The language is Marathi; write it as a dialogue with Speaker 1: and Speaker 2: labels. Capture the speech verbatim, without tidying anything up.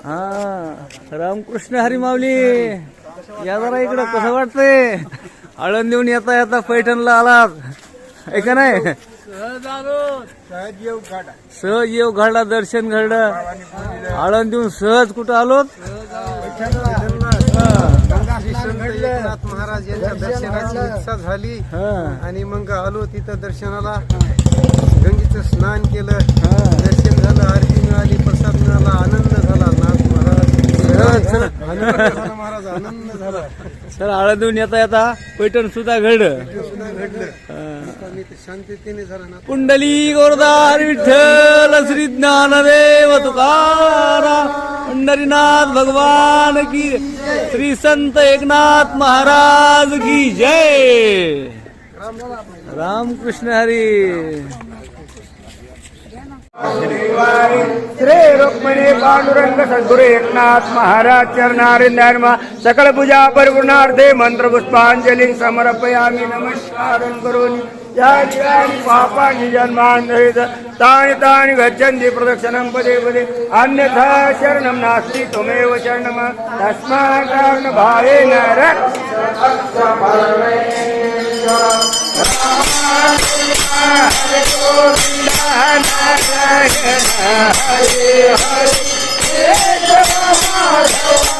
Speaker 1: हा रामकृष्ण हरी माऊली या जरा इकडं कसं वाटतंय आळंदीहून येता येता पैठणला आलात आहे का नाही सहज येऊ घडला दर्शन घडलं आळंदीहून सहज कुठं आलोत
Speaker 2: महाराज यांच्या दर्शनाची इच्छा झाली आणि मग आलो तिथं दर्शनाला गंगेचं स्नान केलं दर्शन झालं आरती मिळाली प्रसाद मिळाला आनंद झाला नाथ महाराज महाराज आनंद झाला
Speaker 1: सर आळंदीहून येता येता पैठण सुद्धा घडलं
Speaker 2: शांततेने झाला ना
Speaker 1: कुंडली गोरदार विठ्ठल श्री ज्ञानदेव तुकाराम पंढरीनाथ भगवान की श्री संत एकनाथ महाराज की जय रामकृष्ण हरी
Speaker 3: श्री रुक्मिणी पांडुरंग सद्गुरु एकनाथ महाराज चरणारिंदर्मा सकल पूजा परिपूर्णार्थे मंत्र पुष्पांजलि समर्पयामि नमस्कारं करोमि यानि पापानि जन्मान्धरित तानि तानि गच्छन्ति प्रदक्षिणं पदे पदे अन्यथा शरणं नास्ति त्वमेव शरणं तस्मात् कारणभावेन रक्ष हरे गोविंद नारायण हरे हरे